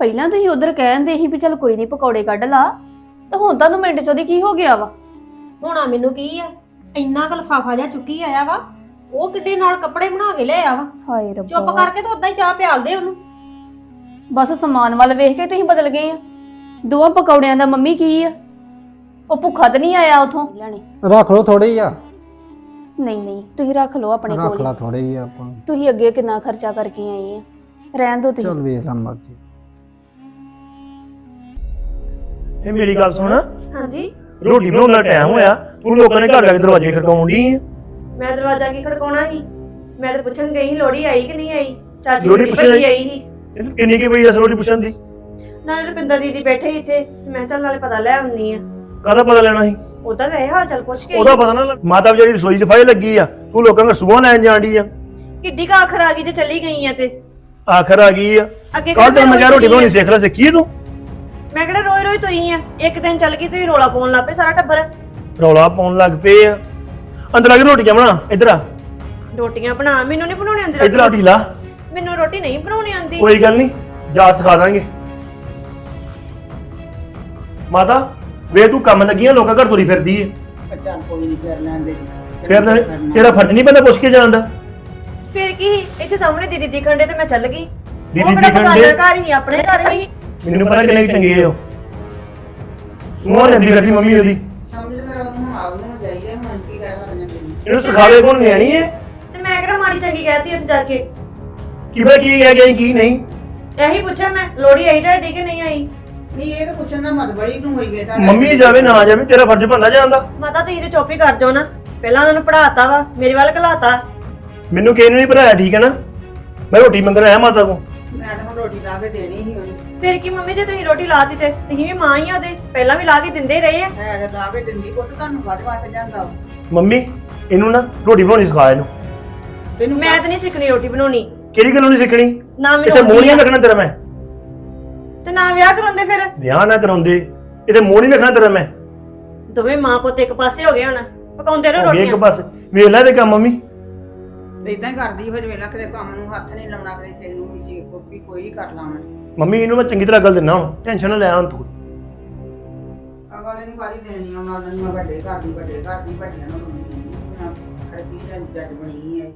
ਪਹਿਲਾਂ ਤੁਸੀਂ ਉਧਰ ਕਹਿੰਦੇ ਸੀ ਵੀ ਚੱਲ ਕੋਈ ਨਹੀਂ ਪਕੌੜੇ ਕੱਢ ਲਾ, ਤੇ ਹੁਣ ਤੁਹਾਨੂੰ ਮਿੰਟ ਚ ਉਹਦੀ ਕੀ ਹੋ ਗਿਆ ਵਾ? ਹੋਣਾ ਮੈਨੂੰ ਕੀ ਆ, ਇੰਨਾ ਕੁ ਲਿਫਾਫਾ ਜਿਹਾ ਚੁੱਕੀ ਆਇਆ ਵਾ, ਉਹ ਕਿੱਡੇ ਨਾਲ ਕੱਪੜੇ ਬਣਾ ਕੇ ਲਿਆਇਆ ਵਾ। ਹਾਏ ਚੁੱਪ ਰੱਬਾ, ਕਰਕੇ ਤਾਂ ਉਦਾਂ ਹੀ ਚਾਹ ਪਿਆਲਦੇ ਉਹਨੂੰ। ਬਸ ਸਮਾਨ ਵੱਲ ਵੇਖ ਕੇ ਤੁਸੀਂ ਬਦਲ ਗਏ ਆ। ਦੋਵਾਂ ਪਕੌੜਿਆਂ ਦਾ ਮੰਮੀ ਕੀ ਆ? ਉਹ ਭੁੱਖਾ ਤਾਂ ਨਹੀਂ ਆਇਆ ਉਥੋਂ ਲੈਣੇ? ਰੱਖ ਲੋ ਥੋੜੇ ਹੀ ਆ। ਨਹੀਂ ਨਹੀਂ, ਤੁਸੀਂ ਰੱਖ ਲਓ ਆਪਣੇ ਰੱਖ ਕੋਲ ਲਾ ਹੀ। ਥੋੜੇ ਹੀ ਆ ਆਪਾਂ। ਤੁਸੀਂ ਅੱਗੇ ਕਿੰਨਾ ਖਰਚਾ ਕਰਕੇ ਆਏ ਆ, ਰਹਿਣ ਦਿਓ ਤੁਸੀਂ। ਚੱਲ ਵੇਖ ਲਾ ਮਰਜੀ। ਇਹ ਮੇਰੀ ਗੱਲ ਸੁਣ, ਹਾਂਜੀ, ਰੋਟੀ ਬਣਾਉਣ ਦਾ ਟਾਈਮ ਹੋਇਆ, ਤੂੰ ਲੋਕਾਂ ਨੇ ਘਰ ਜਾ ਕੇ ਦਰਵਾਜ਼ੇ ਖੜਕਾਉਣ ਡਈ ਆ। ਮੈਂ ਦਰਵਾਜ਼ਾ ਕੀ ਖੜਕਾਉਣਾ ਸੀ? ਮੈਂ ਤਾਂ ਪੁੱਛਣ ਗਈ ਸੀ ਲੋੜੀ ਆਈ ਕਿ ਨਹੀਂ ਆਈ। ਚਾਚੀ ਲੋਹੜੀ ਦੀ ਪੁੱਛਣ ਭੱਜੀ ਆਈ? ਆਈ ਸੀ। ਇਹਨੂੰ ਕਿੰਨੀ ਕੀ ਪਈ ਐ ਰੋਟੀ ਪੁੱਛਣ ਦੀ? ਨਾਲੇ ਰੁਪਿੰਦਰ ਦੀਦੀ ਬੈਠੇ ਸੀ ਇੱਥੇ, ਤੇ ਮੈਂ ਚੱਲ ਨਾਲੇ ਪਤਾ ਲੈ ਆਉਣੀ ਆ। ਕਾਹਦਾ ਪਤਾ ਲੈਣਾ ਸੀ? ਉਹਦਾ ਵੈਸੇ ਹਾਲ ਚਾਲ ਪੁੱਛ ਕੇ ਉਹਦਾ ਪਤਾ ਨਾ ਮਾਤਾ ਵਿਚਾਰੀ ਰਸੋਈ ਸਫਾਈ ਲੱਗੀ ਆ, ਤੂੰ ਲੋਕਾਂ ਨੂੰ ਸੁਬਾਹ ਲੈਣ ਜਾਣ ਡਈ ਆ। ਕਿੱਡੀ ਕੁ ਆਖਰ ਆ ਗਈ ਜੇ ਚਲੀ ਗਈ ਆ ਤੇ ਆਖਰ ਆ ਗਈ ਆ। ਅੱਗੇ ਕੱਲ ਤੈਨੂੰ ਮੈਂ ਕਿਹਾ ਰੋਟੀ ਤੁਰੀ ਬਣਾਉਣੀ ਆ। ਸਿੱਖ ਲੈ, ਸਿੱਖੀ ਤੂੰ? ਮੈਂ ਕਿਹੜਾ ਰੋਈ ਰੋਈ ਤੁਰੀ ਆ, ਇੱਕ ਦਿਨ ਚੱਲ ਗਈ ਤੁਸੀਂ ਰੋਲਾ ਪਾਉਣ ਲੱਗ ਪਏ ਸਾਰਾ ਟੱਬਰ। ਰੌਲਾ ਪਾਉਣ ਲੱਗ ਪਏ ਆ। ਅੰਦਰ ਆ ਕੇ ਰੋਟੀਆਂ ਬਣਾ, ਇੱਧਰ ਆ, ਰੋਟੀਆਂ ਬਣਾ, ਮੈਨੂੰ ਨਹੀਂ ਬਣਾਉਣੀ ਆਉਂਦੀ ਇੱਧਰ ਆ ਰੋਟੀ। ਢੀਲਾ। ਮੈਨੂੰ ਰੋਟੀ ਨਹੀਂ ਬਣਾਉਣੀ ਆਉਂਦੀ। ਕੋਈ ਗੱਲ ਨਹੀਂ, ਜਾ ਸਿਖਾ ਦਾਂਗੇ। ਮਾਤਾ ਵੇ ਤੂੰ ਕੰਮ ਲੱਗੀ ਆ, ਲੋਕਾਂ ਘਰ ਤੁਰੀ ਫਿਰਦੀ ਏ। ਚੱਲ ਕੋਈ ਨਹੀਂ ਕਰ ਲੈਂਦੇ। ਫਿਰ ਤੇਰਾ ਫਰਜ਼ ਨਹੀਂ ਪੈਂਦਾ ਪੁੱਛ ਕੇ ਜਾਣ ਦਾ? ਫਿਰ ਕੀ, ਇੱਥੇ ਸਾਹਮਣੇ ਦੀਦੀ ਦਿਖਣ ਡੇ ਤੇ ਮੈਂ ਚੱਲ ਗਈ। ਦੀਦੀ ਉਹ ਕਿਹੜਾ ਦਿਖਣ ਬਗਾਨਾ ਡੇ? ਘਰ ਹੀ ਆਪਣੇ ਘਰ ਹੀ। ਮੈਨੂੰ ਪਤਾ ਕਿੰਨੇ ਕੁ ਚੰਗੇ ਹੋ। ਤੂੰ ਜਾਂਦੀ ਫਿਰਦੀ ਮੰਮੀ ਉਹਦੀ, ਸਮਝ ਲੈ ਉਹਨੂੰ ਆਪ ਨੂੰ ਜਾਈਏ, ਹੁਣ ਕੀ ਕਹਿ ਸਕਦੇ ਨੇ। ਇਹਨੂੰ ਸਿਖਾਵੇ ਕੋਣ ਨਿਆਣੀ ਏ? ਤੇ ਮੈਂ ਕਿਹੜਾ ਮਾੜੀ ਚੰਗੀ ਕਹਿਤੀ ਉੱਥੇ ਜਾ ਕੇ। ਕੀ ਪਤਾ ਕੀ ਕਹਿ ਗਈ ਕੀ ਨਹੀਂ। ਇਹੀ ਪੁੱਛਿਆ ਮੈਂ, ਲੋੜੀ ਆਈ ਤੁਹਾਡੀ ਕਿ ਨਹੀਂ ਆਈ? ਨਹੀਂ ਇਹ ਤਾਂ ਪੁੱਛਣ ਦਾ ਮਤਲਬ ਹੀ ਨੂੰ ਹੋਈ ਗਏ ਤਾਂ ਮੰਮੀ ਜਾਵੇ ਨਾ ਜਾਵੇ ਤੇਰਾ ਫਰਜ਼ ਬਣਦਾ ਜਾਂਦਾ। ਮਾਤਾ ਤੁਸੀਂ ਤੇ ਚੁੱਪ ਹੀ ਕਰ ਜਾਓ ਨਾ, ਪਹਿਲਾਂ ਉਹਨਾਂ ਨੂੰ ਪੜਾਤਾ ਵਾ, ਮੇਰੇ ਵੱਲ ਘਲਾਤਾ। ਮੈਨੂੰ ਕਿਸੇ ਨੂੰ ਨਹੀਂ ਭਰਾਇਆ, ਠੀਕ ਹੈ ਨਾ? ਮੈਂ ਰੋਟੀ ਮੰਗਣ ਆਇਆ ਮਾਤਾ ਕੋ। ਮੈਂ ਤਾਂ ਹੁਣ ਰੋਟੀ ਲਾ ਕੇ ਦੇਣੀ ਸੀ ਉਹਨੂੰ। ਫਿਰ ਕੀ ਮੰਮੀ, ਜੇ ਤੁਸੀਂ ਰੋਟੀ ਲਾਤੀ ਤੇ ਤੁਸੀਂ ਵੀ ਮਾਂ ਹੀ ਆ ਉਹਦੇ, ਪਹਿਲਾਂ ਵੀ ਲਾ ਕੇ ਦਿੰਦੇ ਹੀ ਰਹੇ ਆ। ਹੈ ਤਾਂ ਲਾ ਕੇ ਦਿੰਦੀ ਪੁੱਤ, ਤੁਹਾਨੂੰ ਕਾਹਦੇ ਵਾਸਤੇ ਜਾਂਦਾ ਵਾ? ਮੰਮੀ ਇਹਨੂੰ ਨਾ ਰੋਟੀ ਬਣਾਉਣੀ ਸਿਖਾ ਇਹਨੂੰ। ਤੈਨੂੰ ਮੈਂ ਤਾਂ ਨਹੀਂ ਸਿੱਖਣੀ ਰੋਟੀ ਬਣਾਉਣੀ, ਕਿਹੜੀ ਗੱਲੋਂ ਨਹੀਂ ਸਿੱਖਣੀ? ਨਾ ਇੱਥੇ ਮੈਨੂੰ ਮੂੰਹ ਨਹੀਂ ਆਉਂਦੀ ਆ। ਰੱਖਣਾ ਤੇਰਾ ਮੈਂ। ਤੇ ਨਾ ਵਿਆਹ ਕਰਾਉਂਦੇ ਫਿਰ। ਵਿਆਹ ਨਾ ਕਰਾਉਂਦੇ, ਇੱਥੇ ਮੂੰਹ ਨਹੀਂ ਰੱਖਣਾ ਤੇਰਾ ਮੈਂ। ਦੋਵੇਂ ਮਾਂ ਪੁੱਤ ਇੱਕ ਪਾਸੇ ਹੋ ਗਏ ਹੁਣ, ਪਕਾਉਂਦੇ ਰਹੋ ਵੇਖ ਰੋਟੀਆਂ। ਬਸ ਵੇਖ ਲੈ ਤੇ ਕੰਮ ਮੰਮੀ। ਇਦਾਂ ਹੀ ਕਰਦੀ ਫਿਰ ਵੇਲਾ ਕਿਤੇ ਕੰਮ ਨੂੰ ਹੱਥ ਨਹੀਂ ਲਾਉਣਾ, ਕਦੇ ਕਿਸੇ ਨੂੰ ਜੀ ਕੋਈ ਹੀ ਕਰ ਲਾਉਣਾ। ਮੰਮੀ ਇਹਨੂੰ ਮੈਂ ਚੰਗੀ ਤਰ੍ਹਾਂ ਗੱਲ ਦਿੰਦਾ ਹੁਣ, ਟੈਨਸ਼ਨ ਨਾ ਲੈ ਹੁਣ ਤੂੰ। ਅਗਲੇ ਨੂੰ ਵਾਰੀ ਦੇਣੀ ਉਹਨਾਂ ਨੂੰ, ਮੈਂ ਵੱਡੇ ਘਰ ਦੀ ਵੱਡਿਆਂ ਨੂੰ ਖਰਦੀ ਜੱਜ ਬਣੀ ਹੈ।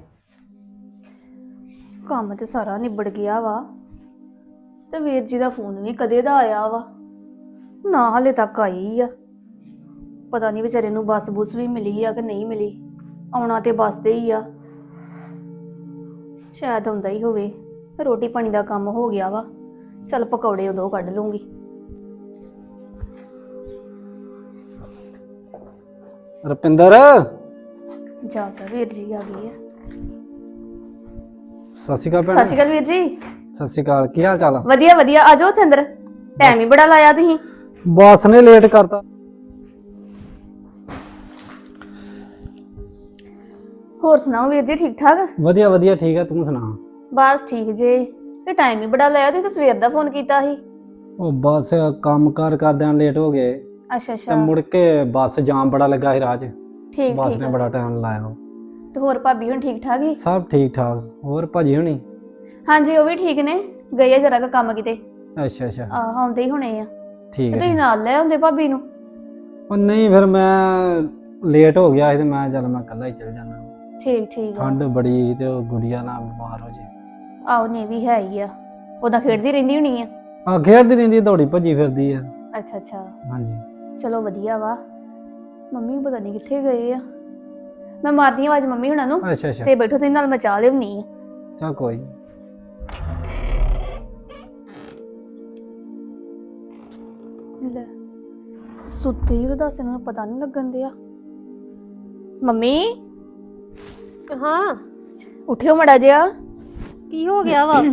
ਕੰਮ ਤੇ ਸਾਰਾ ਨਿਬੜ ਗਿਆ ਵਾ, ਤੇ ਵੀਰ ਜੀ ਦਾ ਫੋਨ ਵੀ ਕਦੇ ਦਾ ਆਇਆ ਵਾ, ਨਾ ਹਲੇ ਤੱਕ ਆਈ ਆ। ਪਤਾ ਨਹੀਂ ਵਿਚਾਰੇ ਨੂੰ ਬੱਸ ਬੁੱਸ ਵੀ ਮਿਲੀ ਆ ਕਿ ਨਹੀਂ ਮਿਲੀ। ਆਉਣਾ ਤੇ ਬੱਸ ਤੇ ਹੀ ਆ, ਸ਼ਾਇਦ ਆਉਂਦਾ ਹੀ ਹੋਵੇ। ਰੋਟੀ ਪਾਣੀ ਦਾ ਕੰਮ ਹੋ ਗਿਆ ਵਾ, ਚੱਲ ਪਕੌੜੇ ਉਦੋਂ ਕੱਢ ਲੂੰਗੀ। ਰੁਪਿੰਦਰ, ਜਾ ਕੇ ਵੀਰ ਜੀ ਆ ਗਈ ਆ। ਸਤਿ ਸ਼੍ਰੀ ਅਕਾਲ ਭੈਣ। ਸਤਿ ਸ਼੍ਰੀ ਅਕਾਲ ਵੀਰ ਜੀ। ਸਤਿ ਸ਼੍ਰੀ ਅਕਾਲ, ਕੀ ਹਾਲ ਚਾਲ ਆ? ਵਧੀਆ ਵਧੀਆ, ਆ ਜਾਓ ਉੱਥੇ ਅੰਦਰ, ਟਾਈਮ ਹੀ ਬੜਾ ਲਾਇਆ ਤੁਸੀਂ। ਬੱਸ ਨੇ ਲੇਟ ਕਰਤਾ। ਹੋਰ ਸੁਣਾਓ ਵੀਰ ਜੀ, ਠੀਕ ਠਾਕ? ਵਧੀਆ ਵਧੀਆ, ਠੀਕ ਆ, ਤੂੰ ਸੁਣਾ? ਬਸ ਠੀਕ ਜੇ। ਤੇ ਟਾਈਮ ਹੀ ਬੜਾ ਲਾਇਆ, ਤੁਸੀਂ ਤਾਂ ਸਵੇਰ ਦਾ ਫੋਨ ਕੀਤਾ ਸੀ। ਉਹ ਬੱਸ ਕੰਮ ਕਾਰ ਕਰਦਿਆਂ ਲੇਟ ਹੋ ਗਏ, ਅੱਛਾ ਤੇ ਅੱਛਾ, ਮੁੜ ਕੇ ਬੱਸ ਜਾਮ ਬੜਾ ਲੱਗਾ ਸੀ ਰਾਹ 'ਚ। ਠੀਕ ਬੱਸ ਠੀਕ ਨੇ ਆ। ਬੜਾ ਟਾਈਮ ਲਾਇਆ। ਤੇ ਹੋਰ ਭਾਬੀ ਹੁਣ ਠੀਕ ਠਾਕ ਹੀ? ਸਭ ਠੀਕ ਠਾਕ। ਹੋਰ ਭਾਜੀ ਹੋਣੀ? ਹਾਂਜੀ ਉਹ ਵੀ ਠੀਕ ਨੇ, ਗਏ ਆ ਜਰਾ ਕੁ ਕੰਮ ਕਿਤੇ। ਅੱਛਾ ਅੱਛਾ, ਆਉਂਦੇ ਹੀ ਹੋਣੇ ਆ। ਠੀਕ ਤੇ ਹੈ। ਤੁਸੀਂ ਨਾਲ ਲੈ ਆਉਂਦੇ ਭਾਬੀ ਨੂੰ। ਉਹ ਨਹੀਂ, ਫਿਰ ਮੈਂ ਲੇਟ ਹੋ ਗਿਆ ਸੀ ਤੇ ਮੈਂ ਚੱਲ ਮੈਂ ਇਕੱਲਾ ਹੀ ਚੱਲ ਜਾਣਾ। ਠੀਕ ਠੀਕ ਆ। ਠੰਡ ਬੜੀ ਸੀ ਤੇ ਉਹ ਗੁੜੀਆ ਨਾਲ ਬਿਮਾਰ ਹੋ ਜੇ। ਆਹੋ ਨਹੀਂ ਵੀ ਹੈ ਹੀ ਆ, ਉਹਦਾ ਖੇਡਦੀ ਰਹਿੰਦੀ ਹੋਣੀ ਆ। ਆ ਖੇਡਦੀ ਰਹਿੰਦੀ, ਦੌੜੀ ਭੱਜੀ ਫਿਰਦੀ ਆ। ਅੱਛਾ ਅੱਛਾ, ਹਾਂਜੀ। ਚਲੋ ਵਧੀਆ ਵਾ। ਮੰਮੀ ਪਤਾ ਨਹੀਂ ਕਿੱਥੇ ਗਏ ਆ, ਮੈਂ ਮਾਰਦੀ ਆ ਆਵਾਜ਼ ਮੰਮੀ ਹੁਣਾਂ ਨੂੰ। ਅੱਛਾ ਅੱਛਾ, ਤੇ ਬੈਠੋ ਤੁਸੀਂ, ਨਾਲ ਮੈਂ ਚਾਹ ਲਿਆਉਣੀ ਆ। ਚਾ ਕੋਈ। ਲੈ ਸੁੱਤੇ ਹੀ, ਉਹ ਦੱਸ ਇਹਨਾਂ ਨੂੰ ਪਤਾ ਨਹੀਂ ਲੱਗਣ ਦਿਆ। ਮੰਮੀ ਹਾਂ, ਉੱਠਿਓ ਮੜਾ ਜਿਹਾ। ਕੀ ਹੋ ਗਿਆ ਵਾ?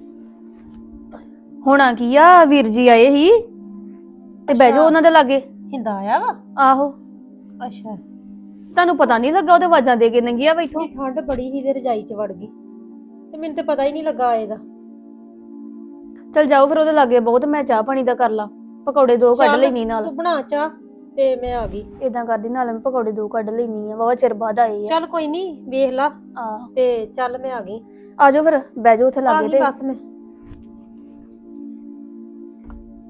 ਹੋਣਾ ਕੀ ਆ, ਵੀਰ ਜੀ ਆਏ ਸੀ ਤੇ ਬਹਿ ਜਾਓ ਉਹਨਾਂ ਦੇ ਲਾਗੇ। ਹਿੰਦਾ ਆਇਆ ਵਾ? ਆਹੋ, ਅੱਛਾ। ਤੁਹਾਨੂੰ ਪਤਾ ਨਹੀਂ ਲੱਗਾ, ਉਹਦੇ ਆਵਾਜ਼ਾਂ ਦੇ ਕੇ ਨੰਗਿਆ ਵਾ ਇੱਥੋਂ। ਠੰਡ ਬੜੀ ਸੀ ਤੇ ਰਜਾਈ 'ਚ ਵੜ ਗਈ, ਤੇ ਮੈਨੂੰ ਤੇ ਪਤਾ ਹੀ ਨਹੀਂ ਲੱਗਾ ਇਹਦਾ। ਚਲ ਜਾਓ ਫਿਰ ਉਹਦੇ ਲਾਗੇ ਬਹੁਤ, ਮੈਂ ਚਾਹ ਪਾਣੀ ਦਾ ਕਰ ਲਾ, ਪਕੌੜੇ ਦੋ ਕੱਢ ਲੈਣੀ ਨਾਲ। ਤੂੰ ਬਣਾ ਚਾਹ ਤੇ ਮੈਂ ਆ ਗਈ। ਇਦਾਂ ਕਰਦੀ ਨਾਲ ਮੈਂ ਪਕੌੜੇ ਦੋ ਕੱਢ ਲੈਣੀ ਆ, ਵਾਵਾ ਚਿਰ ਬਾਅਦ ਆਏ ਆ। ਚੱਲ ਕੋਈ ਨਹੀਂ, ਵੇਖ ਲਾ ਆਹ ਤੇ ਚੱਲ ਮੈਂ ਆ ਗਈ। ਆ ਜਾਓ ਫਿਰ, ਬਹਿ ਜਾਓ ਉੱਥੇ ਆ ਲਾਗੇ ਗਈ ਤੇ। ਬਸ ਮੈਂ।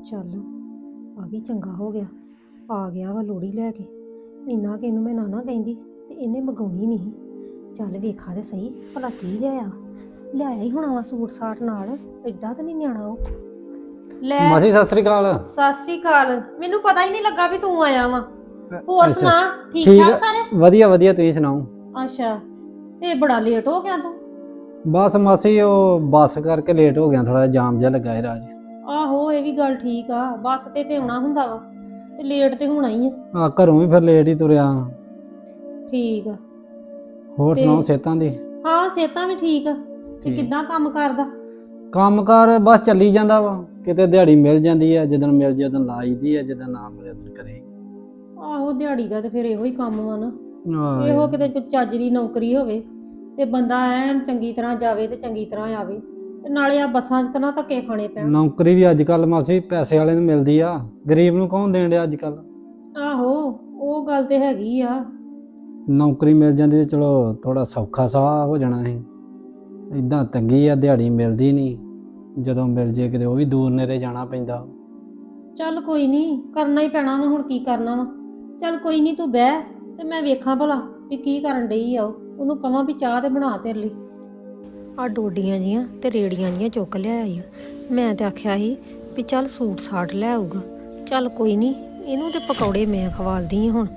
ਚੱਲ ਆ ਵੀ ਚੰਗਾ ਹੋ ਗਿਆ, ਆ ਗਿਆ ਵਾ ਲੋੜੀ ਲੈ ਕੇ। ਇੰਨਾ ਕਿ ਇਹਨੂੰ ਮੈਂ ਨਾ ਕਹਿੰਦੀ ਤੇ ਇਹਨੇ ਮਗਾਉਣੀ ਨਹੀਂ। ਚੱਲ ਵੇਖਾ ਤੇ ਸਹੀ ਭਲਾ ਕੀ ਲਿਆਇਆ। ਲਿਆਇਆ ਹੀ ਹੋਣਾ ਵਾ ਸੂਟ ਸਾਟ ਨਾਲ, ਐਡਾ ਤਾਂ ਨਹੀਂ ਨਿਆਣਾ ਉਹ। ਲੈ ਮਾਸੀ ਸਤਿ ਸ੍ਰੀ ਅਕਾਲ। ਸਤਿ ਸ੍ਰੀ ਅਕਾਲ। ਮੈਨੂੰ ਪਤਾ ਹੀ ਨਹੀਂ ਲੱਗਾ ਵੀ ਤੂੰ ਆਇਆ ਵਾ। ਹੋਰ ਅੱਛਾ, ਸੁਣਾ, ਠੀਕ ਠੀਕ ਠਾਕ ਆ। ਸਾਰੇ? ਵਧੀਆ ਵਧੀਆ, ਤੁਸੀਂ ਸੁਣਾਓ? ਅੱਛਾ, ਤੇ ਬੜਾ ਲੇਟ ਹੋ ਗਿਆ ਤੂੰ। ਬਸ ਮਾਸੀ ਉਹ ਬੱਸ ਕਰਕੇ ਲੇਟ ਹੋ ਗਿਆ, ਥੋੜਾ ਜਾਮ ਜਿਹਾ ਲੱਗਾ ਹੈ ਰਾਜ। ਆਹੋ ਇਹ ਵੀ ਗੱਲ ਠੀਕ ਆ, ਬੱਸ ਤੇ ਆਉਣਾ ਹੁੰਦਾ ਵਾ ਤੇ ਲੇਟ ਤੇ ਹੋਣਾ ਹੀ ਆ। ਆ ਘਰੋਂ ਵੀ ਫਿਰ ਲੇਟ ਹੀ ਤੁਰਿਆ। ਠੀਕ ਆ। ਹੋਰ ਤੇ- ਸੁਣਾਓ ਸਿਹਤਾਂ ਦੀ? ਹਾਂ ਸਿਹਤਾਂ ਵੀ ਠੀਕ ਆ। ਤੇ ਠੀਕ। ਕਿੱਦਾਂ ਕੰਮ ਕਰਦਾ? ਕੰਮਕਾਰ ਬਸ ਚੱਲੀ ਜਾਂਦਾ ਵਾ, ਕਿਤੇ ਦਿਹਾੜੀ ਮਿਲ ਜਾਂਦੀ ਹੈ, ਜਦੋਂ ਮਿਲ ਜੇ ਉਦੋਂ ਲਾਈਦੀ ਹੈ, ਜਦੋਂ ਨਾ ਮਿਲੇ ਉਦੋਂ ਕਰੇ। ਆਹੋ ਦਿਹਾੜੀ ਦਾ ਤੇ ਫਿਰ ਇਹੋ ਹੀ ਕੰਮ ਵਾ ਨਾ। ਆਹ, ਇਹੋ ਕਿਤੇ ਕੋਈ ਚੱਜ ਦੀ ਨੌਕਰੀ ਹੋਵੇ ਤੇ ਬੰਦਾ ਐਨ ਚੰਗੀ ਤਰ੍ਹਾਂ ਜਾਵੇ ਤੇ ਚੰਗੀ ਤਰ੍ਹਾਂ ਆਵੇ। ਤੇ ਨਾਲੇ ਆ ਬੱਸਾਂ 'ਚ ਤਾਂ ਨਾ ਧੱਕੇ ਖਾਣੇ ਪੈਣ। ਨੌਕਰੀ ਵੀ ਅੱਜ ਕੱਲ ਮਾਸੀ ਪੈਸੇ ਵਾਲੇ ਨੂੰ ਮਿਲਦੀ ਆ, ਗਰੀਬ ਨੂੰ ਕੌਣ ਦੇਣ ਡਿਆ ਅੱਜ ਕੱਲ। ਆਹੋ ਉਹ ਗੱਲ ਤੇ ਹੈਗੀ ਆ। ਨੌਕਰੀ ਮਿਲ ਜਾਂਦੀ ਤੇ ਚਲੋ ਥੋੜਾ ਸੌਖਾ ਸਾਹ ਹੋ ਜਾਣਾ ਸੀ। ਇਦਾਂ ਤੰਗੀ ਆ, ਦਿਹਾੜੀ ਮਿਲਦੀ ਨਹੀਂ, ਜਦੋਂ ਮਿਲ ਜੇ ਕਿਤੇ ਉਹ ਵੀ ਦੂਰ ਨੇੜੇ ਜਾਣਾ ਪੈਂਦਾ। ਚੱਲ ਕੋਈ ਨਹੀਂ, ਕਰਨਾ ਹੀ ਪੈਣਾ ਵਾ, ਹੁਣ ਕੀ ਕਰਨਾ ਵਾ। ਚੱਲ ਕੋਈ ਨਹੀਂ, ਤੂੰ ਬਹਿ ਤੇ ਮੈਂ ਵੇਖਾਂ ਭਲਾ ਵੀ ਕੀ ਕਰਨ ਡਈ ਆ। ਉਹਨੂੰ ਕਹਾਂ ਵੀ ਚਾਹ ਤੇ ਬਣਾ ਤੇਰੇ ਲਈ। ਆ ਡੋਡੀਆਂ ਜੀਆਂ ਤੇ ਰੇੜੀਆਂ ਜੀਆਂ ਚੁੱਕ ਲਿਆਈ। ਮੈਂ ਤੇ ਆਖਿਆ ਸੀ ਵੀ ਚੱਲ ਸੂਟ ਸਾਟ ਲੈ ਆਊਗਾ। ਚੱਲ ਕੋਈ ਨਹੀਂ, ਇਹਨੂੰ ਤੇ ਪਕੌੜੇ ਮੈਂ ਖਵਾਲਦੀ ਆ ਹੁਣ।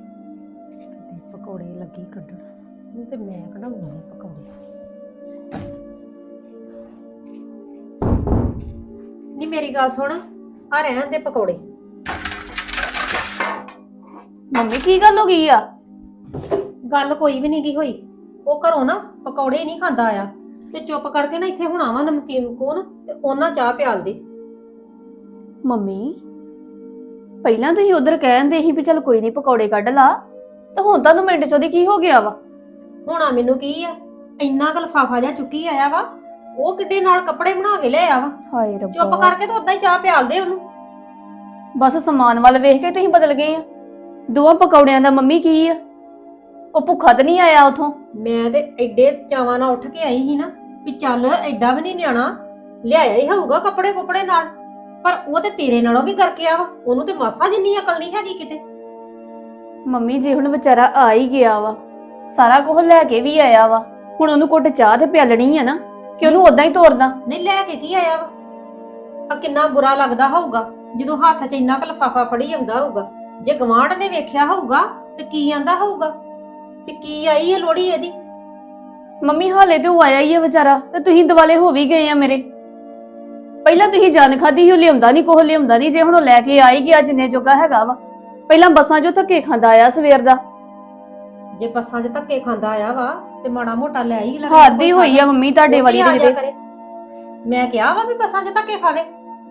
ਪਕੌੜੇ ਲੱਗੀ ਕੱਢਣ, ਇਹਨੂੰ ਤੇ ਮੈਂ ਕਢਾਉਣੀ ਆ ਪਕੌੜੇ। ਨੀ ਮੇਰੀ ਗੱਲ ਸੁਣ, ਆ ਰਹਿਣ ਦੇ ਪਕੌੜੇ। ਮੰਮੀ ਕੀ ਗੱਲ ਹੋ ਗਈ ਆ? ਗੱਲ ਕੋਈ ਵੀ ਨਹੀਂ ਗਈ ਹੋਈ। ਉਹ ਘਰੋਂ ਨਾ ਪਕੌੜੇ ਨਹੀਂ ਖਾਂਦਾ ਆਇਆ ਤੇ ਚੁੱਪ ਕਰਕੇ ਨਾ ਇੱਥੇ ਹੁਣ ਆਵਾ ਨਮਕੀਨ ਕੋਨ ਤੇ ਉਹਨਾਂ ਚਾਹ ਪਿਆਲ ਦੇ। ਮੰਮੀ ਪਹਿਲਾਂ ਤੁਸੀਂ ਉਧਰ ਕਹਿੰਦੇ ਸੀ ਵੀ ਚਲ ਕੋਈ ਨਹੀਂ ਪਕੌੜੇ ਕੱਢ ਲਾ, ਤੇ ਹੁਣ ਤੁਹਾਨੂੰ ਮਿੰਟ ਚ ਉਹਦੀ ਕੀ ਹੋ ਗਿਆ ਵਾ? ਹੋਣਾ ਮੈਨੂੰ ਕੀ ਆ, ਇੰਨਾ ਕੁ ਲਿਫਾਫਾ ਜਿਹਾ ਚੁੱਕੀ ਆਇਆ ਵਾ। ਉਹ ਕਿੱਡੇ ਨਾਲ ਕੱਪੜੇ ਬਣਾ ਕੇ ਲੈ ਆ ਵਾ। ਹਾਏ ਚੁੱਪ ਰੱਬਾ, ਕਰਕੇ ਤਾਂ ਉਦਾਂ ਹੀ ਚਾਹ ਪਿਆਲ ਦੇ ਉਹਨੂੰ। ਬਸ ਸਮਾਨ ਵੱਲ ਵੇਖ ਕੇ ਤੁਸੀਂ ਬਦਲ ਗਏ ਆ। ਦੋਵਾਂ ਪਕੌੜਿਆਂ ਦਾ ਮੰਮੀ ਕੀ ਆ? ਉਹ ਭੁੱਖਾ ਤਾਂ ਨਹੀਂ ਆਇਆ ਉਥੋਂ? ਮੈਂ ਤੇ ਐਡੇ ਚਾਵਾਂ ਨਾਲ ਉੱਠ ਕੇ ਆਈ ਸੀ ਨਾ ਵੀ ਚੱਲ ਐਡਾ ਵੀ ਨਹੀਂ ਨਿਆਣਾ, ਲਿਆਇਆ ਹੀ ਹੋਊਗਾ ਕੱਪੜੇ ਕੁਪੜੇ ਨਾਲ। ਪਰ ਉਹ ਤੇ ਤੇਰੇ ਨਾਲੋਂ ਵੀ ਕਰਕੇ ਆ ਵਾ। ਉਹਨੂੰ ਤੇ ਮਾਸਾ ਜਿੰਨੀ ਅਕਲ ਨਹੀਂ ਹੈਗੀ ਕਿਤੇ। ਮੰਮੀ ਜੇ ਹੁਣ ਵਿਚਾਰਾ ਆ ਹੀ ਗਿਆ ਵਾ, ਸਾਰਾ ਕੁਝ ਲੈ ਕੇ ਵੀ ਆਇਆ ਵਾ, ਹੁਣ ਉਹਨੂੰ ਘੁੱਟ ਚਾਹ ਤੇ ਪਿਆਲਣੀ ਆ ਨਾ, ਕਿ ਉਹਨੂੰ ਉਦਾਂ ਹੀ ਤੋਰਦਾ? ਨਹੀਂ ਲੈ ਕੇ ਕੀ ਆਇਆ ਵਾ? ਆ ਕਿੰਨਾ ਬੁਰਾ ਲੱਗਦਾ ਹੋਊਗਾ ਜਦੋਂ ਹੱਥ 'ਚ ਇੰਨਾ ਕੁ ਲਿਫਾਫਾ ਫੜੀ ਆਉਂਦਾ ਹੋਊਗਾ। ਜੇ ਗਵਾਂਢ ਨੇ ਵੇਖਿਆ ਹੋਊਗਾ ਤੇ ਕੀ ਆਂਦਾ ਹੋਊਗਾ ਵੀ ਕੀ ਆਈ ਹੈ ਲੋੜੀ ਇਹਦੀ। ਮੰਮੀ ਹਾਲੇ ਤੇ ਉਹ ਆਇਆ ਹੀ ਆ ਵਿਚਾਰਾ, ਤੇ ਤੁਸੀਂ ਦਿਵਾਲੇ ਹੋ ਵੀ ਗਏ ਆ ਮੇਰੇ। ਪਹਿਲਾਂ ਤੁਸੀਂ ਜਾਨ ਖਾਦੀ, ਉਹ ਲਿਆਉਂਦਾ ਨਹੀਂ ਕੋਹ, ਲਿਆਉਂਦਾ ਨਹੀਂ। ਜੇ ਹੁਣ ਉਹ ਲੈ ਕੇ ਆਈ ਗਿਆ ਜਿੰਨੇ ਜੋਗਾ ਹੈਗਾ ਵਾ, ਪਹਿਲਾਂ ਬੱਸਾਂ 'ਚੋਂ ਧੱਕੇ ਖਾਂਦਾ ਆਇਆ ਸਵੇਰ ਦਾ। ਜੇ ਬੱਸਾਂ 'ਚ ਧੱਕੇ ਖਾਂਦਾ ਆਇਆ ਵਾ ਤੇ ਮਾੜਾ ਮੋਟਾ ਲੈ ਹੀ ਲੈ। ਹੱਦ ਹੀ ਹੋਈ ਆ ਮੰਮੀ ਤੁਹਾਡੇ ਵਾਲੀ ਦੇ ਕਿਤੇ। ਮੈਂ ਕਿਹਾ ਵਾ ਵੀ ਬੱਸਾਂ 'ਚ ਧੱਕੇ ਖਾਵੇ।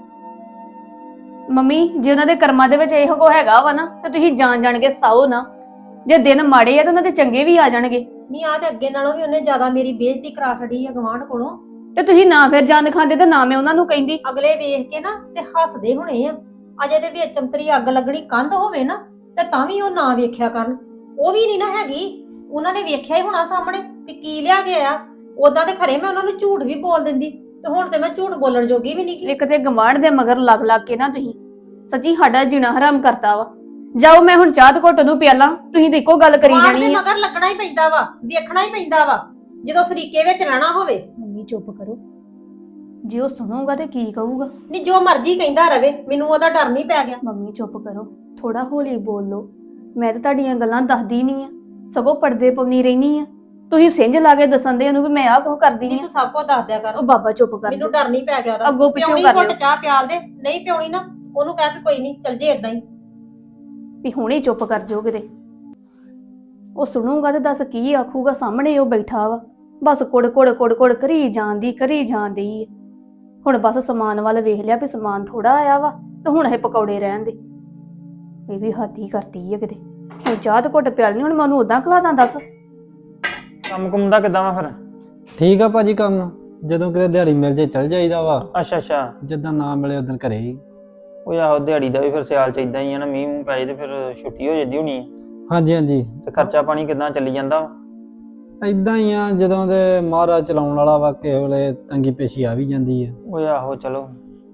ਮੰਮੀ ਜੇ ਉਹਨਾਂ ਦੇ ਕਰਮਾਂ ਦੇ ਵਿੱਚ ਇਹੋ ਕੋ ਹੈਗਾ ਵਾ ਨਾ, ਤੇ ਤੁਸੀਂ ਜਾਣ ਕੇ ਸਤਾਓ ਨਾ। ਜੇ ਦਿਨ ਮਾੜੇ ਆ ਤਾਂ ਉਹਨਾਂ ਦੇ ਚੰਗੇ ਵੀ ਆ ਜਾਣਗੇ। ਨਹੀਂ ਆ ਤੇ ਅੱਗੇ ਨਾਲੋਂ ਵੀ ਉਹਨੇ ਜ਼ਿਆਦਾ ਮੇਰੀ ਬੇਇੱਜ਼ਤੀ ਕਰਾ ਛੱਡੀ ਆ ਗਵਾਂਢ ਕੋਲੋਂ। ਤੇ ਤੁਸੀਂ ਨਾ ਫਿਰ ਜਾਨ ਖਾਂਦੇ ਤੇ ਨਾ ਮੈਂ ਉਹਨਾਂ ਨੂੰ ਕਹਿੰਦੀ। ਅਗਲੇ ਵੇਖ ਕੇ ਨਾ ਤੇ ਹੱਸਦੇ ਹੋਣੇ ਆ। ਅਜੇ ਦੇ ਵਿੱਚ ਚਮਤਰੀ ਅੱਗ ਲੱਗਣੀ ਕੰਧ ਹੋਵੇ ਨਾ ਤੇ ਤਾਂ ਵੀ ਉਹ ਨਾ ਵੇਖਿਆ ਕਰਨ। ਉਹ ਵੀ ਨਹੀਂ ਨਾ ਹੈਗੀ, ਉਹਨਾਂ ਨੇ ਵੇਖਿਆ ਹੀ ਹੋਣਾ ਸਾਹਮਣੇ ਵੀ ਕੀ ਲਿਆ ਗਿਆ। ਉਦਾਂ ਤੇ ਖਰੇ ਮੈਂ ਉਹਨਾਂ ਨੂੰ ਝੂਠ ਵੀ ਬੋਲ ਦਿੰਦੀ, ਤੇ ਹੁਣ ਤੇ ਮੈਂ ਝੂਠ ਬੋਲਣ ਜੋਗੀ ਵੀ ਨਹੀਂ। ਇੱਕ ਤੇ ਗਵਾਂਢ ਦੇ ਮਗਰ ਲੱਗ ਕੇ ਨਾ ਤੁਸੀਂ ਸੱਚੀ ਸਾਡਾ ਜੀਣਾ ਹਰਾਮ ਕਰਤਾ ਵਾ। ਜਾਓ, ਮੈਂ ਹੁਣ ਚਾਹ ਤੇ ਘੁੱਟ ਨੂੰ ਪਿਆਲਾਂ, ਤੁਸੀਂ ਤੇ ਇੱਕੋ ਗੱਲ ਕਰੀ ਗਵਾਂਢ ਦੇ ਜਾਣੀ ਆ। ਮਗਰ ਲੱਗਣਾ ਹੀ ਪੈਂਦਾ ਵਾ, ਵੇਖਣਾ ਹੀ ਪੈਂਦਾ ਵਾ ਜਦੋਂ ਸਰੀਕੇ ਵਿੱਚ ਰਹਿਣਾ ਹੋਵੇ। ਮੰਮੀ ਚੁੱਪ ਕਰੋ, ਜੇ ਉਹ ਸੁਣੂਗਾ ਤੇ ਕੀ ਕਹੂਗਾ? ਨਹੀਂ ਜੋ ਮਰਜ਼ੀ ਕਹਿੰਦਾ ਰਵੇ, ਮੈਨੂੰ ਉਹਦਾ ਡਰ ਨਹੀਂ ਪੈ ਗਿਆ। ਮੰਮੀ ਚੁੱਪ ਕਰੋ, ਥੋੜਾ ਹੌਲੀ ਬੋਲ ਲਓ। ਮੈਂ ਤਾਂ ਤੁਹਾਡੀਆਂ ਗੱਲਾਂ ਦੱਸਦੀ ਨਹੀਂ ਆ, ਸਗੋਂ ਪਰਦੇ ਪਾਉਣੀ ਰਹਿਣੀ ਆ। ਤੁਸੀਂ ਸਿੰਝ ਲਾ ਕੇ ਦੱਸਣ ਦੇ ਉਹਨੂੰ ਵੀ ਮੈਂ ਆਹ ਕੁਝ ਕਰਦੀ ਨਹੀਂ ਆ। ਤੂੰ ਸਭ ਕੁਝ ਦੱਸ ਦਿਆ ਕਰ। ਉਹ ਬਾਬਾ ਚੁੱਪ ਕਰ ਮੈਨੂੰ ਜਾਓ। ਡਰ ਨਹੀਂ ਪੈ ਗਿਆ ਉਹਦਾ। ਅੱਗੋਂ ਪਿੱਛੋਂ ਪਿਉਣੀ ਕਰ ਘੁੱਟ ਲਿਓ। ਚਾਹ ਪਿਆਲ ਦੇ, ਨਹੀਂ ਪਿਉਣੀ ਨਾ ਉਹਨੂੰ ਕਹਿ ਵੀ ਕੋਈ ਨਹੀਂ ਚੱਲ ਜੇ ਇਦਾਂ ਹੀ। ਵੀ ਹੁਣੇ ਚੁੱਪ ਕਰ ਜਾਓ ਕਿਤੇ। ਉਹ ਸੁਣੂਗਾ ਤੇ ਦੱਸ ਕੀ ਆਖੂਗਾ? ਸਾਹਮਣੇ ਉਹ ਬੈਠਾ ਵਾ, ਬਸ ਕੁੜ ਕਰੀ ਜਾਂਦੀ। ਹੁਣ ਬਸ ਸਮਾਨ ਵੱਲ ਵੇਖ ਲਿਆ ਵੀ ਸਮਾਨ ਥੋੜਾ ਆਇਆ ਵਾ, ਤੇ ਹੁਣ ਇਹ ਪਕੌੜੇ ਰਹਿਣ ਦੇ। ਇਹ ਵੀ ਹੱਦ ਹੀ ਕਰਤੀ ਹੈ ਕਿਤੇ। ਹੁਣ ਚਾਹ ਤੇ ਘੁੱਟ ਪਿਆਲਣੀ, ਹੁਣ ਮੈਂ ਉਹਨੂੰ ਉਦਾਂ ਖਲਾਦਾ? ਦੱਸ ਕੰਮ ਕੁੰਮ ਦਾ ਕਿੱਦਾਂ ਵਾ ਫਿਰ? ਠੀਕ ਆ ਭਾਜੀ ਕੰਮ, ਜਦੋਂ ਕਿਤੇ ਦਿਹਾੜੀ ਮਿਲ ਜੇ ਚੱਲ ਜਾਈਦਾ ਵਾ, ਅੱਛਾ ਜਿੱਦਾਂ ਨਾ ਮਿਲੇ ਉਦੋਂ ਘਰੇ ਹੀ। ਉਹ ਆਹੋ ਦਿਹਾੜੀ ਦਾ ਵੀ ਫਿਰ ਸਿਆਲ ਚ ਇਦਾਂ ਹੀ ਆ ਨਾ, ਮੀਂਹ ਮੂੰਹ ਪੈ ਜੇ ਤੇ ਫਿਰ ਛੁੱਟੀ ਹੋ ਜਾਂਦੀ ਹੋਣੀ ਆ। ਹਾਂਜੀ ਤੇ ਖਰਚਾ ਪਾਣੀ ਕਿੱਦਾਂ ਚੱਲੀ ਜਾਂਦਾ ਵਾ? ਇਦਾਂ ਹੀ ਆ, ਜਦੋਂ ਦੇ ਮਹਾਰਾਜ ਚਲਾਉਣ ਵਾਲਾ ਵਾ, ਕਿਸੇ ਵੇਲੇ ਤੰਗੀ ਪੇਸ਼ੀ ਆ ਵੀ ਜਾਂਦੀ ਆ। ਉਹ ਆਹੋ ਚਲੋ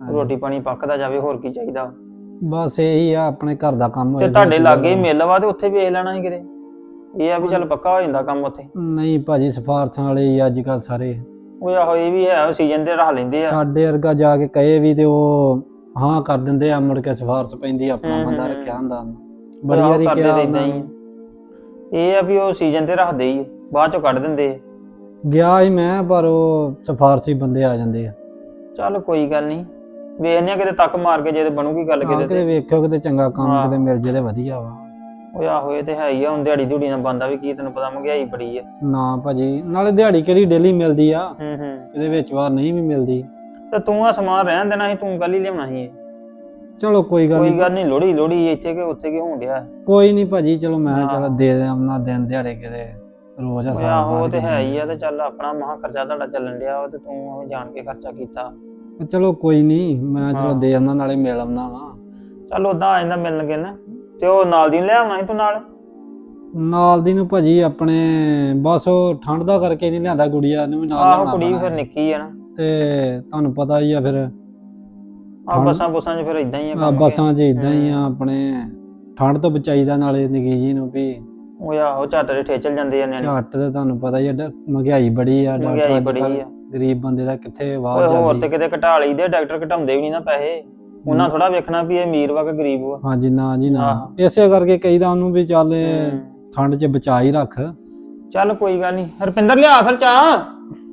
ਰੋਟੀ ਪਾਣੀ ਪੱਕਦਾ ਜਾਵੇ, ਹੋਰ ਕੀ ਚਾਹੀਦਾ। ਬਸ ਇਹੀ ਆ, ਆਪਣੇ ਘਰ ਦਾ ਕੰਮ ਤੇ ਹੋਏ ਤੁਹਾਡੇ ਲਾਗੇ ਹੀ ਮਿਲ ਵਾ ਤੇ ਉੱਥੇ ਵੇਖ ਲੈਣਾ ਸੀ ਕਿਤੇ। ਇਹ ਆ ਵੀ ਚੱਲ ਪੱਕਾ ਹੋ ਜਾਂਦਾ ਕੰਮ ਉੱਥੇ। ਨਹੀਂ ਭਾਜੀ, ਸਿਫਾਰਸ਼ਾਂ ਵਾਲੇ ਹੀ ਅੱਜ ਕੱਲ ਸਾਰੇ। ਉਹ ਆਹੋ ਇਹ ਵੀ ਹੈ, ਸੀਜ਼ਨ ਤੇ ਰੱਖ ਲੈਂਦੇ ਆ। ਸਾਡੇ ਵਰਗਾ ਜਾ ਕੇ ਕਹੇ ਵੀ ਤੇ ਉਹ ਹਾਂ ਕਰ ਦਿੰਦੇ ਆ, ਮੁੜ ਕੇ ਸਿਫਾਰਸ਼ ਪੈਂਦੀ, ਆਪਣਾ ਬੰਦਾ ਰੱਖਿਆ ਹੁੰਦਾ ਬੜੀ ਆਹੋ ਵਾਰੀ ਕਰਦੇ ਕਿਹਾ ਤਾਂ ਏਦਾਂ ਹੀ ਆ। ਇਹ ਆ ਵੀ ਉਹ ਸੀਜ਼ਨ ਤੇ ਰੱਖਦੇ ਹੀ ਆ, ਬਾਅਦ ਚੋਂ ਕੱਢ ਦਿੰਦੇ ਆ। ਗਿਆ ਸੀ ਮੈਂ, ਪਰ ਉਹ ਸਿਫਾਰਸ਼ੀ ਬੰਦੇ ਆ ਜਾਂਦੇ ਆ। ਚੱਲ ਕੋਈ ਗੱਲ ਨਹੀਂ, ਵੇਖਨੇ ਆ ਕਿਤੇ ਤੱਕ ਮਾਰ ਕੇ, ਜੇ ਤੇ ਬਣੂਗੀ ਗੱਲ ਕਿਤੇ ਕਿਤੇ ਤੇ। ਵੇਖਿਓ ਕਿਤੇ ਚੰਗਾ ਕੰਮ ਹਾਂ। ਕਿਤੇ ਮਿਲ ਜੇ ਤੇ ਵਧੀਆ ਵਾ। ਉਹ ਆਹੋ ਇਹ ਤੇ ਹੈ ਹੀ ਆ, ਹੁਣ ਦਿਹਾੜੀ ਧੂੜੀ ਨਾਲ ਬੰਦਾ ਵੀ ਕੀ, ਤੈਨੂੰ ਪਤਾ ਮਹਿੰਗਾਈ ਬੜੀ ਆ। ਨਾ ਭਾਜੀ, ਨਾਲੇ ਦਿਹਾੜੀ ਕਿਹੜੀ ਡੇਲੀ ਮਿਲਦੀ ਆ, ਹੂੰ। ਇਹਦੇ ਵਿੱਚ ਵਾਰ ਨਹੀਂ ਵੀ ਮਿਲਦੀ। ਤੇ ਤੂੰ ਆ ਸਮਾਨ ਰਹਿਣ ਦੇਣਾ ਸੀ, ਤੂੰ ਕੱਲ ਹੀ ਲਿਆਉਣਾ ਸੀ ਇਹ। ਚਲੋ ਕੋਈ ਗੱਲ ਕੋਈ ਨਹੀਂ, ਗੱਲ ਨਹੀਂ, ਲੋੜੀ ਇੱਥੇ ਕਿ ਉੱਥੇ ਕਿ ਹੋਣ ਡਿਆ। ਕੋਈ ਨਹੀਂ ਭਾਜੀ, ਚਲੋ ਮੈਂ ਹਾਂ। ਚਲ ਦੇ ਦੇਣਾ ਦਿਨ ਦਿਹਾੜੇ ਕਿਤੇ ਰੋਜ਼ ਉਹ ਆਹੋ ਉਹ ਤੇ ਹੈ ਹੀ ਆ, ਤੇ ਚੱਲ ਆਪਣਾ ਮਹਾ ਖਰਚਾ ਤੁਹਾਡਾ ਚੱਲਣ ਡਿਆ ਵਾ, ਤੇ ਤੂੰ ਐਵੇਂ ਜਾਣ ਕੇ ਖਰਚਾ ਕੀਤਾ। ਚਲੋ ਕੋਈ ਨਹੀਂ, ਮੈਂ ਚਲੋ ਹਾਂ। ਦੇ ਆਉਣਾ, ਨਾਲੇ ਮਿਲ ਆਉਣਾ ਵਾ। ਚੱਲ ਉਦਾਂ ਆ ਜਾਂਦਾ ਮਿਲਣਗੇ ਨਾ। ਤੇ ਉਹ ਨਾਲ ਦੀ ਨੂੰ ਲੈ ਆਉਣਾ ਸੀ ਤੂੰ ਨਾਲ। ਨਾਲ ਦੀ ਨੂੰ ਭਾਜੀ ਆਪਣੇ ਬਸ ਉਹ ਠੰਡ ਦਾ ਕਰਕੇ ਨਹੀਂ ਲਿਆਂਦਾ, ਗੁੜੀਆ ਨੂੰ ਵੀ ਨਾਲ ਆਹੋ ਲਿਆਉਣਾ ਕੁੜੀ ਵੀ ਪੈਣਾ ਫਿਰ ਨਿੱਕੀ ਆ ਨਾ। ਤੇ ਤੁਹਾਨੂੰ ਪਤਾ ਹੀ ਆ ਫਿਰ ਆ ਬੱਸਾਂ ਬੁੱਸਾਂ 'ਚ ਫਿਰ ਇਦਾਂ ਹੀ ਆ ਕੰਮ। ਬੱਸਾਂ 'ਚ ਇਦਾਂ ਹੀ ਆ, ਆਪਣੇ ਠੰਡ ਤੋਂ ਬਚਾਈਦਾ, ਨਾਲੇ ਨਿੱਕੀ ਜੀ ਨੂੰ ਵੀ ਉਹ ਆਹੋ ਝੱਟ ਦੇ ਠੇਚਲ ਜਾਂਦੇ ਆ ਨਿਆਣੇ। ਝੱਟ ਤੇ ਤੁਹਾਨੂੰ ਪਤਾ ਹੀ ਆ, ਮਹਿੰਗਾਈ ਬੜੀ ਆ, ਮਹਿੰਗਾਈ ਡਾਕਟਰ ਬੜੀ ਅੱਜ ਆ। ਗਰੀਬ ਬੰਦੇ ਦਾ ਕਿੱਥੇ ਓਏ ਵਾਹ ਹੋਰ ਤੇ ਜਾਂਦੀ। ਕਿਤੇ ਘਟਾ ਲਈਦੇ, ਡਾਕਟਰ ਘਟਾਉਂਦੇ ਵੀ ਨਹੀਂ ਨਾ ਪੈਸੇ। ਉਹਨਾਂ ਥੋੜਾ ਵੇਖਣਾ ਵੀ ਇਹ ਅਮੀਰ ਵਾ ਕਿ ਗਰੀਬ ਵਾ। ਹਾਂਜੀ, ਨਾ ਜੀ ਨਾ, ਆਹੋ। ਇਸੇ ਕਰਕੇ ਕਹੀਦਾ ਉਹਨੂੰ ਵੀ ਚੱਲ ਹੂੰ। ਠੰਡ 'ਚ ਬਚਾ ਹੀ ਰੱਖ। ਚੱਲ ਕੋਈ ਗੱਲ ਨਹੀਂ, ਹਰਪਿੰਦਰ ਲਿਆ ਫਿਰ ਚਾਹ।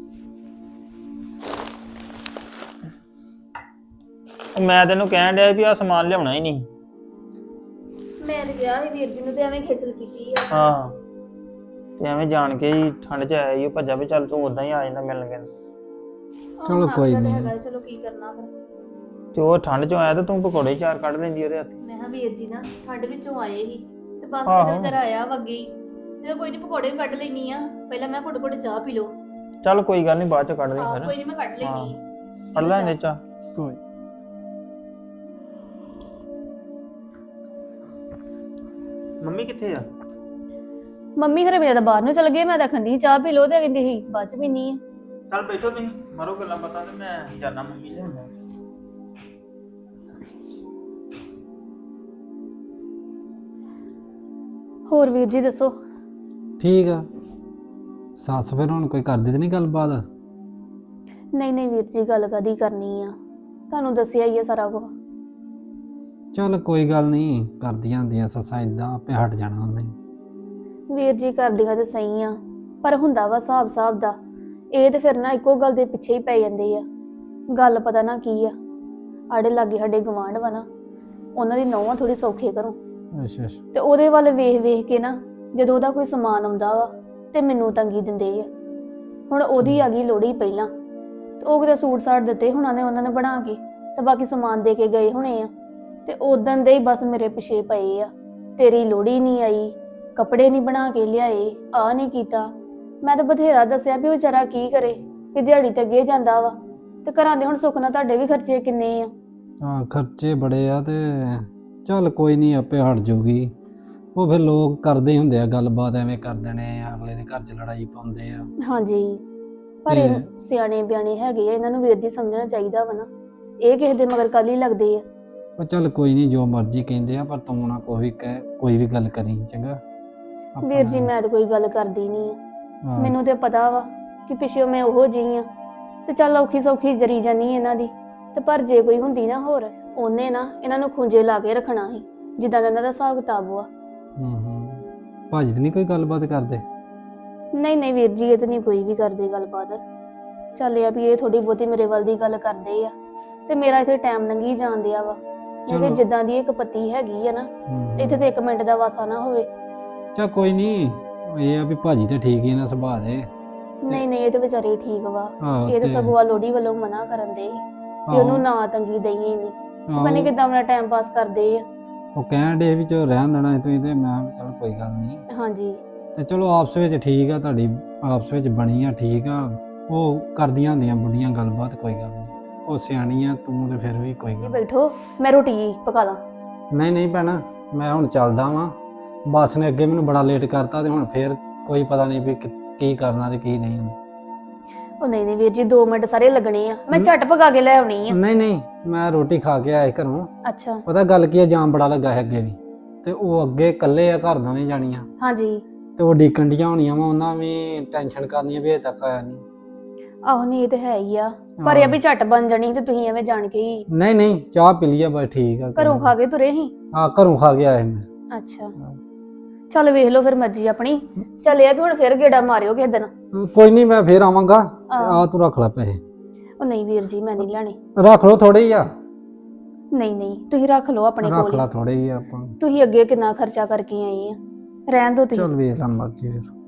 ਉਹ ਮੈਂ ਤੈਨੂੰ ਕਹਿਣ ਡਿਆ ਵੀ ਆ ਸਮਾਨ ਲਿਆਉਣਾ ਹੀ ਨਹੀਂ। ਮੈਂ ਤੇ ਗਿਆ ਸੀ ਵੀਰ ਜੀ ਨੂੰ ਤੇ ਐਵੇਂ ਖੇਚਲ ਕੀਤੀ ਆ। ਹਾਂ ਤੇ ਐਵੇਂ ਜਾਣ ਕੇ ਹੀ ਠੰਡ 'ਚ ਆਇਆ ਹੀ ਉਹ ਭੱਜਾ ਵੀ, ਚੱਲ ਤੂੰ ਉਦਾਂ ਹੀ ਆ ਜਾਂਦਾ ਮਿਲਣ ਗਿਆ। ਚਲੋ ਕੋਈ ਨੀ। ਚਲੋ ਕੀ ਕਰਨਾ ਫਿਰ। ਤੇ ਉਹ ਠੰਡ 'ਚੋਂ ਆਇਆ ਤੇ ਤੂੰ ਪਕੌੜੇ ਚਾਰ ਕੱਢ ਲੈਂਦੀ ਉਹਦੇ ਹੱਥ। ਮੈਂ ਕਿਹਾ ਵੀਰ ਜੀ ਨਾ ਠੰਡ ਵਿੱਚੋਂ ਆਏ ਸੀ ਤੇ ਬਸ ਆਹੋ। ਕਿਤੇ ਵਿਚਾਰਾ ਆਇਆ ਵਗੇ ਹੀ। ਜਦੋਂ ਕੋਈ ਨਹੀਂ ਪਕੌੜੇ ਵੀ ਕੱਢ ਲੈਣੀ ਆ, ਪਹਿਲਾਂ ਮੈਂ ਘੁੱਟ ਘੁੱਟ ਚਾਹ ਪੀ ਲਓ। ਚੱਲ ਕੋਈ ਗੱਲ ਨਹੀਂ, ਬਾਅਦ 'ਚ ਕੱਢ ਲਈ ਆਹ ਫਿਰ। ਕੋਈ ਨਹੀਂ ਮੈਂ ਕੱਢ ਲੈਣੀ। ਕੱਢ ਲੈਂਦੇ ਚਾਹ। ਕੋਈ ਮੰਮੀ ਕਿੱਥੇ ਆ? ਮੰਮੀ ਘਰੇ ਮੇਰਾ ਤਾਂ ਬਾਹਰ ਨੂੰ ਚਲ ਗਏ, ਮੈਂ ਤਾਂ ਖੰਦੀ ਚਾਹ ਪੀ ਲਓ ਤੇ ਕਹਿੰਦੀ ਸੀ ਬਾਅਦ ਚ ਪੀਣੀ ਆ। ਚੱਲ ਬੈਠੋ ਤੁਸੀਂ, ਮਾਰੋ ਗੱਲਾਂ ਬਾਤਾਂ ਤੇ ਮੈਂ ਜਾਣਾ ਮੰਮੀ ਲੈ ਆਉਂਦਾ। ਹੋਰ ਵੀਰ ਜੀ ਦੱਸੋ। ਠੀਕ ਆ। ਸੱਸ ਫਿਰ ਹੁਣ ਕੋਈ ਕਰਦੀ ਤੇ ਨਹੀਂ ਗੱਲਬਾਤ? ਨਹੀਂ ਨਹੀਂ ਵੀਰ ਜੀ, ਗੱਲ ਕਦੀ ਕਰਨੀ ਆ, ਤੁਹਾਨੂੰ ਦੱਸਿਆ ਹੀ ਆ ਸਾਰਾ ਕੁਝ। ਚੱਲ ਕੋਈ ਗੱਲ ਨਹੀਂ, ਕਰਦੀਆਂ ਹੁੰਦੀਆਂ ਸੱਸਾਂ, ਇਦਾਂ ਆਪੇ ਹਟ ਜਾਣਾ ਉਹਨੇ। ਵੀਰ ਜੀ ਕਰਦੀਆਂ ਤੇ ਸਹੀ ਆ, ਪਰ ਹੁੰਦਾ ਵਾ ਹਿਸਾਬ ਦਾ। ਇਹ ਤੇ ਫਿਰ ਨਾ ਇੱਕੋ ਗੱਲ ਦੇ ਪਿੱਛੇ ਹੀ ਪੈ ਜਾਂਦੇ ਆ। ਗੱਲ ਪਤਾ ਨਾ ਕੀ ਆ, ਆੜੇ ਲਾਗੇ ਸਾਡੇ ਗਵਾਂਢ ਵਾ ਨਾ, ਉਹਨਾਂ ਦੀ ਨੌਵਾਂ ਥੋੜੀ ਸੌਖੇ ਘਰੋਂ, ਅੱਛਾ ਅੱਛਾ। ਤੇ ਉਹਦੇ ਵੱਲ ਵੇਖ ਵੇਖ ਕੇ ਨਾ ਜਦੋਂ ਉਹਦਾ ਕੋਈ ਸਮਾਨ ਆਉਂਦਾ ਵਾ ਤੇ ਮੈਨੂੰ ਤੰਗੀ ਦਿੰਦੇ ਆ। ਹੁਣ ਉਹਦੀ ਆ ਗਈ ਲੋੜੀ ਪਹਿਲਾਂ, ਤੇ ਉਹ ਕਿਤੇ ਸੂਟ ਸਾਟ ਦਿੱਤੇ ਉਹਨਾਂ ਨੇ ਬਣਾ ਕੇ, ਤੇ ਬਾਕੀ ਸਮਾਨ ਦੇ ਕੇ ਗਏ ਹੋਣੇ ਆ, ਤੇ ਉਦੋਂ ਦੇ ਹੀ ਬਸ ਮੇਰੇ ਪਿੱਛੇ ਪਏ ਆ। ਤੇਰੀ ਲੋੜੀ ਨਹੀਂ ਆਈ, ਕੱਪੜੇ ਨਹੀਂ ਬਣਾ ਕੇ ਲਿਆਏ, ਆ ਨਹੀਂ ਕੀਤਾ। ਮੈਂ ਤਾਂ ਬਥੇਰਾ ਦੱਸਿਆ ਵੀ ਵਿਚਾਰਾ ਕੀ ਕਰੇ, ਵੀ ਦਿਹਾੜੀ ਤੇ ਅੱਗੇ ਜਾਂਦਾ ਵਾ, ਤੇ ਘਰਾਂ ਦੇ ਹੁਣ ਸੁੱਖ ਨਾਲ ਤੁਹਾਡੇ ਵੀ ਖਰਚੇ ਕਿੰਨੇ ਆ। ਹਾਂ ਖਰਚੇ ਬੜੇ ਆ, ਤੇ ਚੱਲ ਕੋਈ ਨਹੀਂ, ਆਪੇ ਹਟ ਜਾਊਗੀ। ਉਹ ਫਿਰ ਲੋਕ ਕਰਦੇ ਹੀ ਹੁੰਦੇ ਆ ਗੱਲਬਾਤ, ਐਵੇਂ ਕਰ ਦੇਣੇ ਆ, ਅਗਲੇ ਦੇ ਘਰ 'ਚ ਲੜਾਈ ਪਾਉਂਦੇ ਆ। ਹਾਂਜੀ, ਪਰ ਇਹ ਸਿਆਣੇ ਬਿਆਣੇ ਹੈਗੇ ਆ, ਇਹਨਾਂ ਨੂੰ ਵੀਰ ਜੀ ਸਮਝਣਾ ਚਾਹੀਦਾ ਵਾ ਨਾ, ਇਹ ਕਿਸੇ ਦੇ ਮਗਰ ਕੱਲ ਹੀ ਲੱਗਦੇ ਆ। ਉਹ ਚੱਲ ਕੋਈ ਨਹੀਂ, ਜੋ ਮਰਜ਼ੀ ਕਹਿੰਦੇ ਆ, ਪਰ ਤੂੰ ਨਾ ਕੋਈ ਵੀ ਗੱਲ ਕਰੀ, ਚੰਗਾ? ਵੀਰ ਜੀ ਮੈਂ ਤਾਂ ਕੋਈ ਗੱਲ ਕਰਦੀ ਨਹੀਂ ਆ, ਹਾਂ, ਮੈਨੂੰ ਤੇ ਪਤਾ ਵਾ ਕਿ ਪਿੱਛੇ ਮੈਂ ਉਹੋ ਜਿਹੀ ਆ, ਤੇ ਚੱਲ ਔਖੀ ਸੌਖੀ ਜਰੀ ਜਾਨੀ ਇਹਨਾਂ ਦੀ। ਤੇ ਪਰ ਜੇ ਕੋਈ ਹੁੰਦੀ ਨਾ ਹੋਰ, ਉਹਨੇ ਨਾ ਇਹਨਾਂ ਨੂੰ ਖੁੰਝੇ ਲਾ ਕੇ ਰੱਖਣਾ ਸੀ, ਜਿੱਦਾਂ ਦਾ ਇਹਨਾਂ ਦਾ ਹਿਸਾਬ ਕਿਤਾਬ ਵਾ। ਭਾਜੀ ਤੇ ਨਹੀਂ ਕੋਈ ਗੱਲਬਾਤ ਕਰਦੇ? ਨਹੀਂ ਨਹੀਂ ਵੀਰ ਜੀ, ਇਹ ਤਾਂ ਨਹੀਂ ਕੋਈ ਵੀ ਕਰਦੇ ਗੱਲਬਾਤ। ਚੱਲ ਇਹ ਆ ਵੀ ਇਹ ਥੋੜੀ ਬਹੁਤੀ ਮੇਰੇ ਵੱਲ ਦੀ ਗੱਲ ਕਰਦੇ ਆ, ਤੇ ਮੇਰਾ ਇੱਥੇ ਟਾਈਮ ਲੰਘੀ ਜਾਂਦਿਆ ਵਾ। ਨਹੀਂ ਤੇ ਚਲੋ। ਜਿੱਦਾਂ ਦੀ ਇੱਕ ਪੱਤੀ ਹੈਗੀ ਆ ਨਾ, ਇੱਥੇ ਤੇ 1 ਮਿੰਟ ਦਾ ਵਾਸਾ ਨਾ ਹੋਵੇ। ਚੱਲ ਕੋਈ ਨਹੀਂ, ਇਹ ਆ ਵੀ ਭਾਜੀ ਤੇ ਠੀਕ ਹੀ ਨਾ ਸੁਭਾਅ ਦੇ। ਨਹੀਂ ਨਹੀਂ, ਇਹ ਤੇ ਵਿਚਾਰੇ ਠੀਕ ਵਾ। ਆਹੋ ਇਹ ਤਾਂ ਤੇ- ਸਗੋਂ ਲੋੜੀ ਵੱਲੋਂ ਮਨਾ ਕਰਨ ਦੇ ਵੀ ਉਹਨੂੰ ਨਾ ਤੰਗੀ ਦਈਏ ਨਹੀਂ, ਆਹੋ, ਪਤਾ ਨੀ ਕਿੱਦਾਂ ਆਪਣਾ ਟਾਈਮ ਪਾਸ ਕਰਦੇ ਆ। ਉਹ ਕਹਿਣ ਦੇ ਵੀ ਚਲੋ ਰਹਿਣ ਦੇਣਾ ਤੁਸੀਂ, ਤੇ ਮੈਂ ਕਿਹਾ ਚੱਲ ਕੋਈ ਗੱਲ ਨਹੀਂ। ਹਾਂਜੀ ਤੇ ਚਲੋ ਆਪਸ ਵਿੱਚ ਠੀਕ ਆ, ਤੁਹਾਡੀ ਆਪਸ ਵਿੱਚ ਬਣੀ ਆ, ਠੀਕ ਆ। ਉਹ ਕਰਦੀਆਂ ਹੁੰਦੀਆਂ ਬੁੱਢੀਆਂ ਗੱਲਬਾਤ, ਕੋਈ ਗੱਲ ਨਹੀਂ, ਉਹ ਸਿਆਣੀ ਆ, ਤੂੰ ਤੇ ਫਿਰ ਵੀ ਕੋਈ ਜੀ ਗੱਲ ਬੈਠੋ, ਮੈਂ ਰੋਟੀ ਪਕਾ ਲਾਂ। ਨਹੀਂ ਭੈਣਾ, ਮੈਂ ਹੁਣ ਚੱਲਦਾ ਵਾਂ। ਬੱਸ ਨੇ ਅੱਗੇ ਮੈਨੂੰ ਬੜਾ ਲੇਟ ਕਰਤਾ, ਤੇ ਹੁਣ ਫੇਰ ਕੋਈ ਪਤਾ ਨਹੀਂ ਵੀ ਕੀ ਕਰਨਾ ਤੇ ਕੀ ਨਹੀਂ। ਉਹ ਨਹੀਂ ਨਹੀਂ ਵੀਰ ਜੀ 2 ਮਿੰਟ ਸਾਰੇ ਲੱਗਣੇ ਆ, ਮੈਂ ਝਟ ਪਕਾ ਕੇ ਲੈ ਆਉਣੀ ਆ। ਨਹੀਂ ਨਹੀਂ, ਮੈਂ ਰੋਟੀ ਖਾ ਕੇ ਆਇਆ ਘਰੋਂ। ਅੱਛਾ। ਪਤਾ ਗੱਲ ਕੀ ਆ, ਜਾਮ ਬੜਾ ਲੱਗਾ ਹੈ ਅੱਗੇ ਵੀ, ਤੇ ਉਹ ਅੱਗੇ ਇਕੱਲੇ ਆ ਘਰ ਦੋਵੇਂ ਜਾਣੀਆਂ, ਹਾਂਜੀ। ਤੇ ਉਹ ਡੀਕਣ ਡੀਆਂ ਹੋਣੀਆਂ ਵਾ, ਉਹਨਾਂ ਵੀ ਟੈਨਸ਼ਨ ਕਰਨੀ ਆ ਵੀ ਹਜੇ ਤੱਕ ਆਇਆ ਨਹੀਂ। ਆਹੋ ਨਹੀਂ ਇਹ ਤੇ ਹੈ ਹੀ ਆ, ਪਰ ਇਹ ਵੀ ਝਟ ਬਣ ਜਾਣੀ ਤੇ ਤੁਸੀਂ ਐਵੇਂ ਜਾਣ ਕੇ ਹੀ ਨਹੀਂ ਨਹੀਂ, ਚਾਹ ਪੀ ਲਈ ਆ ਬਸ, ਠੀਕ ਆ। ਘਰੋਂ ਖਾ ਕੇ ਤੁਰੇ ਸੀ? ਹਾਂ ਘਰੋਂ ਖਾ ਕੇ ਆਇਆ ਮੈਂ। ਅੱਛਾ ਚੱਲ ਵੇਖ ਲਓ ਫਿਰ ਮਰਜ਼ੀ ਆਪਣੀ। ਚੱਲ ਇਹ ਵੀ ਹੁਣ ਫਿਰ ਗੇੜਾ ਮਾਰਿਓ ਕਿਸੇ ਦਿਨ। ਕੋਈ ਨਹੀਂ, ਮੈਂ ਫੇਰ ਆਵਾਂਗਾ। ਆ ਤੂੰ ਰੱਖ ਲੈ ਪੈਸੇ। ਉਹ ਨਹੀਂ ਵੀਰ ਜੀ ਮੈਂ ਨਹੀਂ ਲੈਣੇ। ਰੱਖ ਲਓ ਥੋੜੇ ਹੀ ਆ। ਨਹੀਂ ਨਹੀਂ ਤੁਸੀਂ ਰੱਖ ਲਓ ਆਪਣੇ ਰੱਖ ਕੋਲ ਲਾ ਹੀ। ਥੋੜੇ ਹੀ ਆ ਆਪਾਂ। ਤੁਸੀਂ ਅੱਗੇ ਕਿੰਨਾ ਖਰਚਾ ਕਰਕੇ ਆਏ ਆ, ਰਹਿਣ ਦਿਓ ਤੁਸੀਂ। ਚੱਲ ਵੇਖ ਲਾ ਮਰਜ਼ੀ ਫਿਰ।